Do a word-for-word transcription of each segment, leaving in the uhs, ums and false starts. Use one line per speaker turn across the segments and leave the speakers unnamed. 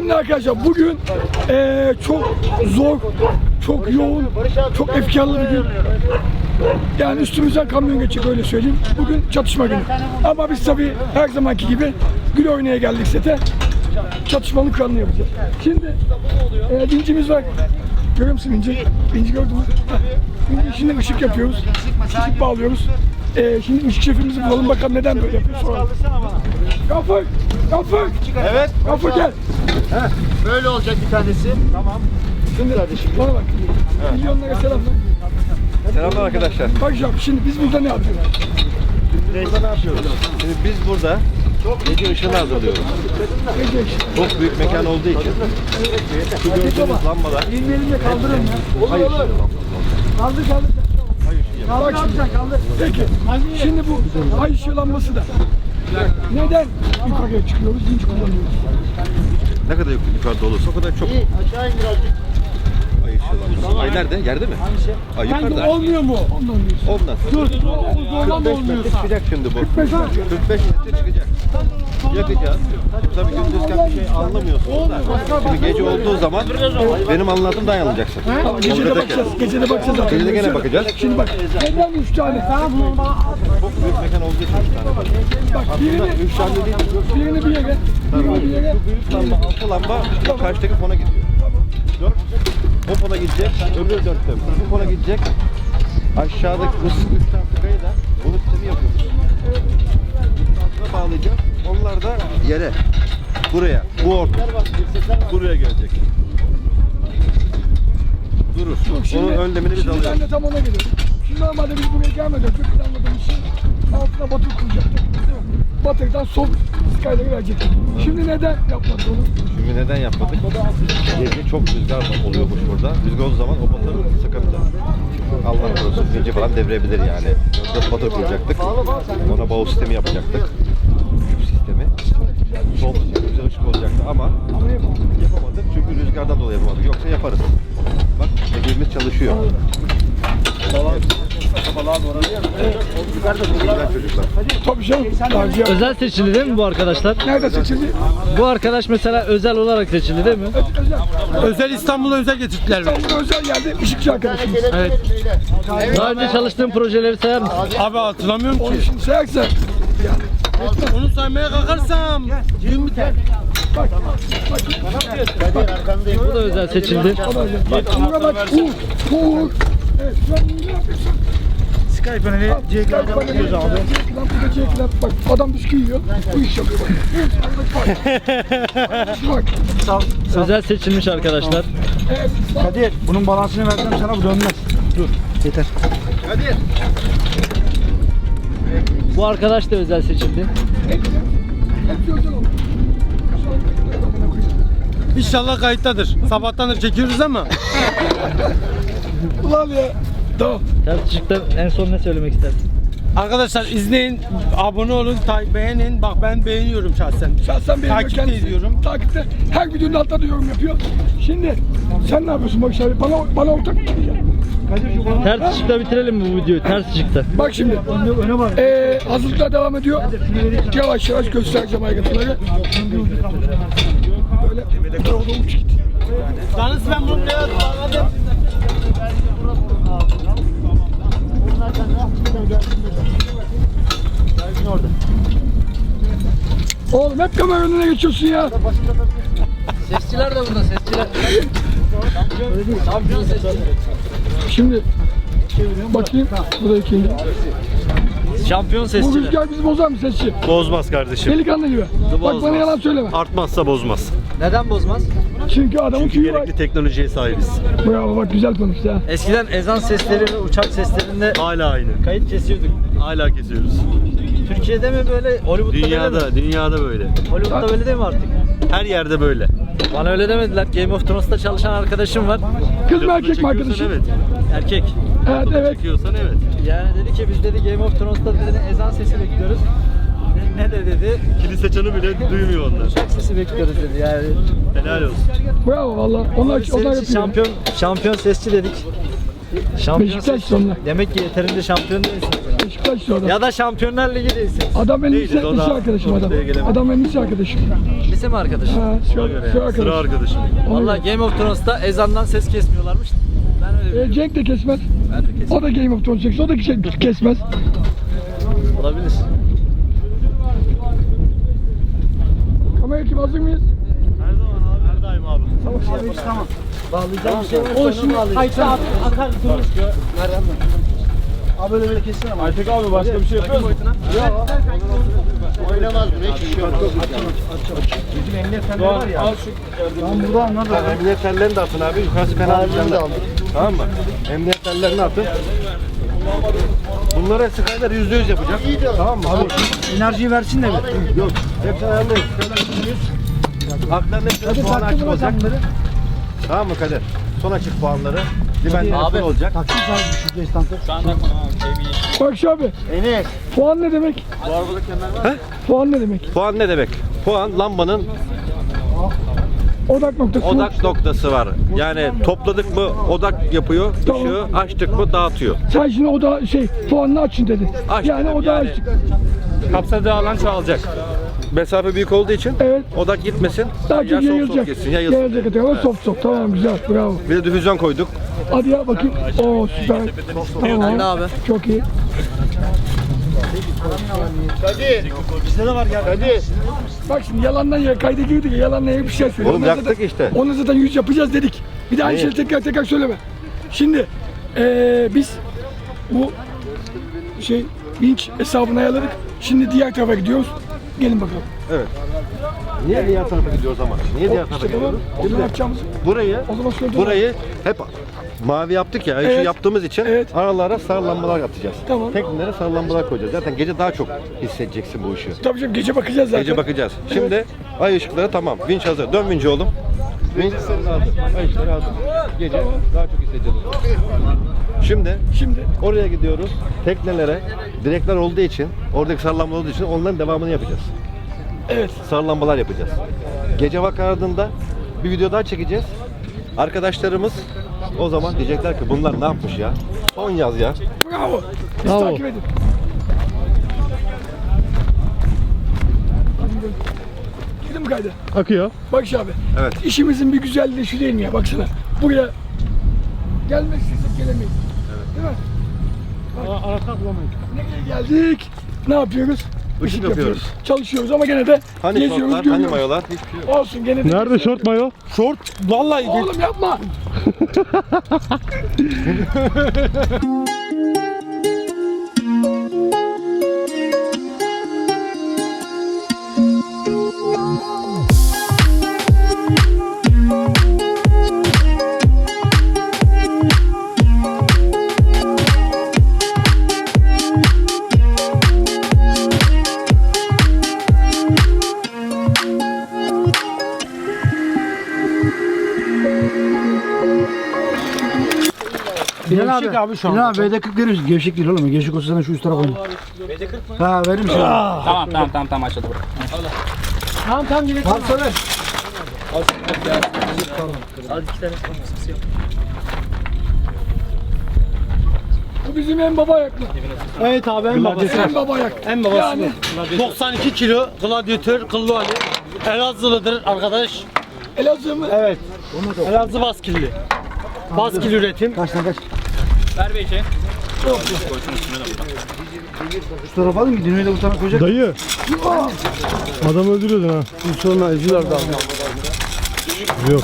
Şimdi arkadaşlar bugün ee, çok zor, çok yoğun, çok efkarlı bir gün. Yani üstümüzden kamyon geçecek, öyle söyleyeyim. Bugün çatışma günü. Ama biz tabii her zamanki gibi gül oynaya geldik sete. Çatışmanın kanını yapacağız. Şimdi e, vincimiz var. Görüyor musun vinci? Vinci gördün mü? Vinci şimdi ışık yapıyoruz. Işık bağlıyoruz. E, şimdi ışık şefimizi bulalım, bakalım neden böyle yapıyor. Soralım. Gafur! Gafur!
Evet.
Gafur gel.
Heh, böyle olacak bir tanesi. Tamam.
Şimdi kardeşim bana bak. Evet. Milyonlara selamlar.
Selamlar arkadaşlar.
Bak şimdi biz burada ne yapıyoruz?
Biz burada ne yapıyoruz? Şimdi biz burada gece ışığını hazırlıyoruz.
Gece ışığı.
Çok büyük mekan olduğu için şu gördüğünüz lambalar.
Elini elimle kaldırın ya. Olur olur. Kaldır kaldır. Bak şimdi. Peki. Şimdi bu ay ışığı lambası da. Neden yukarıya çıkıyoruz? Vinç kullanıyoruz.
Ne kadar yukarıda olursa o kadar çok.
Aşağı in birazcık.
Ay ışığı var. Ay nerede? Yerde mi? Ay yukarıda.
Olmuyor mu? Ondan diyorsun.
Ondan.
Dur.
kırk beş metre çıkacak şimdi bu. kırk beş metre çıkacak. Yakacağız. Şimdi tabii gündüzken bir şey anlamıyorsunuz da. Şimdi gece olduğu zaman benim anlattığım dayanılacaksın.
Tamam, gece de bakacağız. Gece de bakacağız zaten.
Gece de gene bakacağız.
Şimdi bak. Neden üç tane?
Çok büyük mekan olduğu için üç tane var.
Bak
Aslında
birini,
üç tane değil.
birini bir yere, birini bir yere.
Şu büyük lamba, altı lamba o karşıdaki fona gidiyor. Dört. O fona gidecek, öbür dörtte bu fona gidecek. Aşağıdaki bu üç tane tıkayı da bunu sistemi yapıyoruz. Altına bağlayacağız. Onlar da yere, buraya, bu orta, buraya gelecek. Durur. Onun önlemini biz
Şimdi ben
alıyoruz.
de tam ona geliyorum. Şimdi normalde biz buraya gelmeden önce planladığımız şey altına batır kuracaktık. Değil mi? Batırdan sol skyları verecektik. Şimdi neden yapmadık onu?
Şimdi neden yapmadık? Gece çok rüzgar oluyormuş burada. Rüzgar olduğu zaman o batırı sıkıntı. Allah korusun gece falan devirebilir yani. Dört batır kuracaktık. Ona bağ sistemi yapacaktık. Küp sistemi. Sol güzel ışık olacaktı ama yapamadık çünkü rüzgardan dolayı yapamadık. Yoksa yaparız. Bak ekibimiz çalışıyor. Güzel çocuklar.
Tabii canım. Daha
Özel seçildi değil mi bu arkadaşlar?
nerede seçildi?
Bu arkadaş mesela özel olarak seçildi değil mi?
Özel.
Özel İstanbul'a özel getirdiler.
İstanbul'da özel yerde ışıkçı arkadaşımız.
Evet.
Daha önce çalıştığın projeleri sayar mısın?
Abi hatırlamıyorum
Onu
ki.
şimdi sayarsa
Onu saymaya kalkarsam yirmi tane.
bak.
Bu da özel seçildi.
Bak Uğur'a bak. Uğur. Uğur. Evet. Şu an Uğur'u yapıyorsun.
Sky paneli C
Bak bak burada C-Club. Bak adam bisküvi yiyor. Bu iş yapıyor bak. Bak.
Özel seçilmiş arkadaşlar.
Evet.
Kadir bunun balansını vereceğim sana, bu dönmez. Dur yeter.
Bu arkadaş da özel seçildi.
Hepsi özel oldu.
İnşallah kayıttadır. Sabahtandır çekiyoruz ama.
Ulan ya. Tamam.
Ters ışıkta en son ne söylemek istersin?
Arkadaşlar izleyin, abone olun, ta- beğenin. Bak ben beğeniyorum şahsen.
Şahsen benim
Takip de
kendisi.
ediyorum.
Takipte. Her videonun altında da yorum yapıyor. Şimdi sen ne yapıyorsun Barış abi? Bana, bana ortak mı diyeceksin?
Ters ışıkta bitirelim mi bu videoyu? Ters ışıkta.
Bak şimdi. Ee, hazırlıklar devam ediyor. Yavaş yavaş göstereceğim ayrıntıları. Böyle orada uç git.
Yalnız ben bunu biraz bağladım.
Oğlum hep kamera önüne geçiyorsun ya.
Sesçiler de burada, sesçiler.
Şimdi bakayım. Bu da ikinci.
Şampiyon
Bu
sesçiler.
rüzgar bizi bozar mı sesçi?
Bozmaz kardeşim.
Delikanlı gibi. Bak bana yalan söyleme.
Artmazsa bozmaz.
Neden bozmaz?
Çünkü adamın
Çünkü
tüyü var.
gerekli teknolojiye sahibiz.
Bravo bak güzel konuştu ha.
Eskiden ezan sesleri ve uçak seslerinde
Hala aynı.
kayıt kesiyorduk.
Hala kesiyoruz.
Türkiye'de mi böyle? Hollywood'da böyle mi?
Dünyada, dünyada böyle.
Hollywood'da böyle değil mi artık?
Her yerde böyle.
Bana öyle demediler. Game of Thrones'ta çalışan arkadaşım var.
Kız mı
Lafını
erkek mi
çekiyorsan
arkadaşım?
Evet.
Erkek.
Evet
Lafını
evet.
çekiyorsan evet.
Yani dedi ki biz dedi Game of Thrones'ta dedi ezan sesi bekliyoruz. Ne, ne de dedi?
Kilise çanı bile duymuyor onlar.
Uçak sesi bekliyoruz dedi yani.
Helal olsun.
Bravo valla. Onlar,
Biz
onlar
senin için
yapıyor.
şampiyon, şampiyon sesçi dedik. Şampiyon
Beşiktaş
sesçi.
onlar.
Demek ki yeterince şampiyon değilsin.
Beşiktaşlı adam.
Ya da Şampiyonlar Ligi değilsin.
Adam benim
Değiliz,
lise,
o
lise
da
arkadaşım adam.
ortaya gelemedi.
Adam benim lise arkadaşım.
Lise mi arkadaşın?
Ha, sıra, sıra
Sıra
arkadaşım.
arkadaşım.
Vallahi Game of Thrones'ta ezandan ses kesmiyorlarmış. Ben öyle
E,
biliyorum.
Cenk de kesmez.
Ben de kesin.
O da Game of Thrones çekse, o da şey kesmez.
Olabilir.
Kamera ekibi hazır mıyız?
Her zaman abi. Her daim abi.
Tamam.
Bağlayacağım bir şey var.
O şimdi kayıtta akar durur.
Abi böyle böyle kessene ama.
Aytek abi başka bir şey yapıyor musun?
Oynamaz mı? Hiç şey olmaz.
Doğan al şu.
Ben burada anladım.
Emniyet tellerini de atın abi. Yukarısı fena
Halini de
değil.
aldık.
Tamam mı? Emniyet tellerini atın. Bunları Skyler yüzde yüz yapacak. Tamam mı? Abi,
Enerjiyi versin de bir.
yok. Hepsi ayarlayın. Skyler yüzde yüz. Haklarının hepsinin puanı açık olacak. Tamam mı Kader? Son açık puanları. Diben abi olacak.
Taksim sahibi düşüreceğiz istantı.
Bak abi,
Enes.
puan ne demek?
He?
Puan ne demek?
Puan ne demek? Puan lambanın
Odak noktası.
odak noktası var. Yani topladık mı odak yapıyor,
Tamam.
ışığı açtık mı dağıtıyor.
Sen şimdi oda şey, puanını açın dedi.
Aç
yani
dedim,
odağı
yani.
açtık.
Kapsadığı alan çoğalacak.
Mesafe büyük olduğu için
Evet.
odak gitmesin.
Daha
Ya
çok
soft soft
yayılacak.
gitsin, yayılsın.
Yayılacak etrafa soft soft. Tamam güzel, bravo.
Bir de difüzyon koyduk.
Hadi ya bakayım. Oo süper. Tamam.
Ben de abi.
Çok iyi.
Hadi. Bizde de var gel. Hadi.
Bak şimdi yalandan ya kayda girdik ya yalandan ya bir şey söylüyor.
Oğlum
Ondan
yaktık
zaten-
işte.
Onu zaten yüz yapacağız dedik. Bir de aynı
Hayır.
şeyi tekrar tekrar söyleme. Şimdi eee biz bu şey vinç hesabını ayarladık. Şimdi diğer tarafa gidiyoruz. Gelin bakalım.
Evet. Niye diğer tarafa gidiyoruz ama? Niye diğer tarafa
İşte tamam.
gidiyoruz?
O zaman
Şimdi
yapacağımız.
burayı,
O zaman söyle.
burayı hep mavi yaptık ya.
Evet.
Şu yaptığımız için
Evet.
aralara sarı lambalar atacağız.
Tamam.
Teknelere sarı lambalar koyacağız. Zaten gece daha çok hissedeceksin bu ışığı.
Tabii canım gece bakacağız zaten.
Gece bakacağız. Şimdi ay ışıkları tamam. Vinç hazır. Dön vinci oğlum. Vinç hazır. Ay ışıkları hazır. Gece daha çok hissedeceğiz. Şimdi
Şimdi
oraya gidiyoruz. Teknelere direkler olduğu için, oradaki sarı lambalar olduğu için onların devamını yapacağız.
evet.
Sarı lambalar yapacağız. Gece vakti ardında bir video daha çekeceğiz. Arkadaşlarımız o zaman diyecekler ki bunlar ne yapmış ya? Son yaz ya.
Bravo. Biz
Bravo.
takip edin. Girdin mi kayda?
Akıyor.
Bak şu abi.
Evet.
İşimizin bir güzelliği şu değil mi ya? Baksana. Buraya gelmek istesek gelemeyiz. Değil mi?
Arka bulamayız.
Nereye geldik? Ne yapıyoruz?
Işık yapıyoruz.
Çalışıyoruz ama gene de
Hani
geziyoruz,
şortlar, hani
görüyoruz.
mayolar? Hiçbir şey yok.
Olsun gene de.
Nerede şort mayo? Şort. Vallahi
Oğlum yapma.
Bilal abi.
abi şu
Bilal abi B D kırk verir misin? Gevşek değil oğlum. Gevşek olsa sen şu üst tarafa koy. B D kırk mı? Ha verir misin?
Tamam tamam tamam tamam açıldı. Tamam tamam gidelim.
Al söyle.
Bu bizim en baba ayaklı.
Evet abi en babası.
En baba ayak.
En babası
Yani
bu. doksan iki kilo gladyatör kıllı Ali. Elazığlıdır arkadaş.
Elazığ mı?
Evet. Elazığ baskilli. Baskil üretim.
Kaçtan kaç?
Ver bir şey.
Şu tarafa alayım ki Dino'yu da bu tarafa koyacak.
Dayı. Adam öldürüyordun ha.
Sonra ezilirdi abi.
Yok.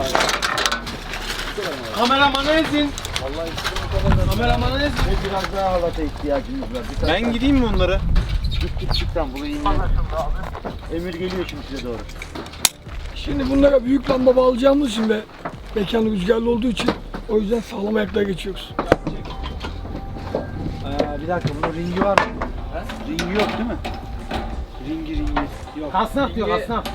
Kameramanı ezin. Kameramanı ezin.
Biraz daha halata ihtiyacımız var. Bir
Ben gideyim mi onlara?
Git git çık tam bunu inme. Emir geliyor şimdi size doğru.
Şimdi bunlara büyük lamba bağlayacağımız için ve mekan rüzgarlı olduğu için o yüzden sağlam ayaklara geçiyoruz.
Ee, bir dakika bunun ringi var mı? Ringi yok değil mi? Ringi ringi. Yok.
Kasnak diyor kasnak.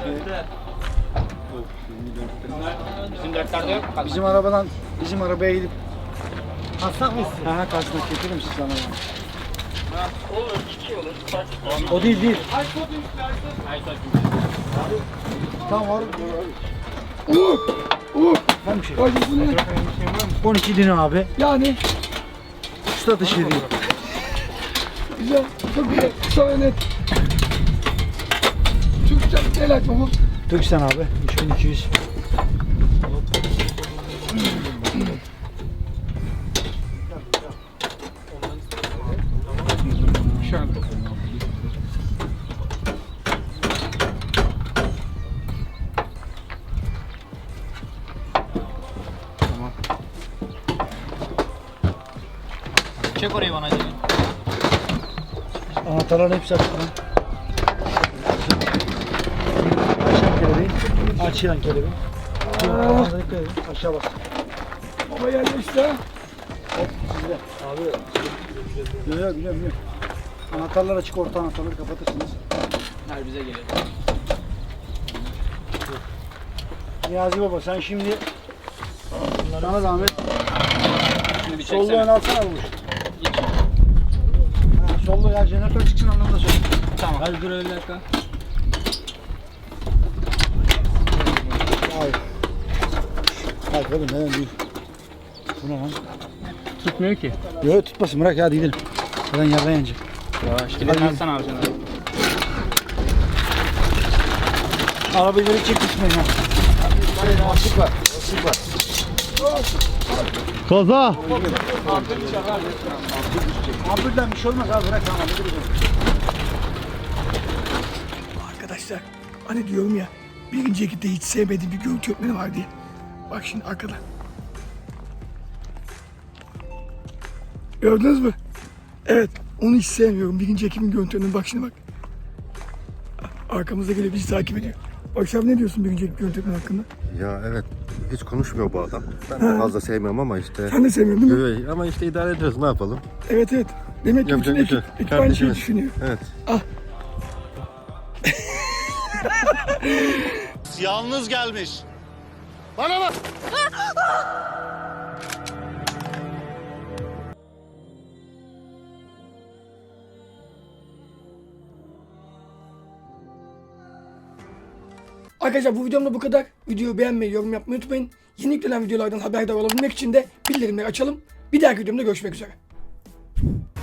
Bizim arabadan bizim arabaya gidip
Kasnak mı istiyorsun?
ha ha kasnak getirir misin sana? O değil değil. Tamam var.
Uğur! Uğur!
Var bir şey.
Hadi bu ne?
on iki Dino abi.
Yani
Usta dışı değil.
Güzel, çok güzel. Kısa ve net. Türkçe el açma bu.
Türksen abi. üç bin iki yüz.
Çek orayı bana Cemil.
Anahtarların hepsi açık lan. Açılan kelebeği. Açılan kelebeği. Aa. Aşağı bas.
Baba yerleşti ha.
Abi. Yok yok biliyorum biliyorum. Anahtarlar açık, orta anahtarları kapatırsınız.
Her bize geliyor.
Niyazi baba sen şimdi sana zahmet
Şimdi bir
sollu
çeksene.
ön alsana bulmuş. Ha, sollu ya jeneratör çıksın anlamda söyle.
Tamam. Hadi dur öyle dakika.
Hayır. Hayır oğlum neden değil. Bu ne lan?
Tutmuyor ki.
Yok tutmasın bırak ya hadi gidelim. Zaten yerden yanacak.
Yavaş gidelim. Alsana abi canım.
Arabayı böyle çek gitmeyin ha.
Açık var. Açık var.
Kaza.
Ampulden bir şey olmaz abi bırak tamam.
Arkadaşlar hani diyorum ya birinci ekipte hiç sevmediğim bir görüntü yönetmeni var diye. Bak şimdi arkada. Gördünüz mü? Evet onu hiç sevmiyorum. Birinci ekibin görüntü yönetmeni bak şimdi bak. Arkamızda gelip bizi takip ediyor. Bak sen ne diyorsun birinci ekip görüntü yönetmeni hakkında?
Ya evet. Hiç konuşmuyor bu adam. Ben de fazla sevmiyorum ama işte.
Sen de sevmiyorsun değil mi?
Evet, ama işte idare ediyoruz. Ne yapalım?
Evet evet. Demek ki bütün
Yapacak bir şey
ekip,
yok.
ekip aynı şeyi
Kardeşimiz.
düşünüyor.
Evet.
Yalnız gelmiş.
Arkadaşlar bu videomda bu kadar. Videoyu beğenmeyi, yorum yapmayı unutmayın. Yeni yüklenen videolardan haberdar olabilmek için de bildirimleri açalım. Bir dahaki videomda görüşmek üzere.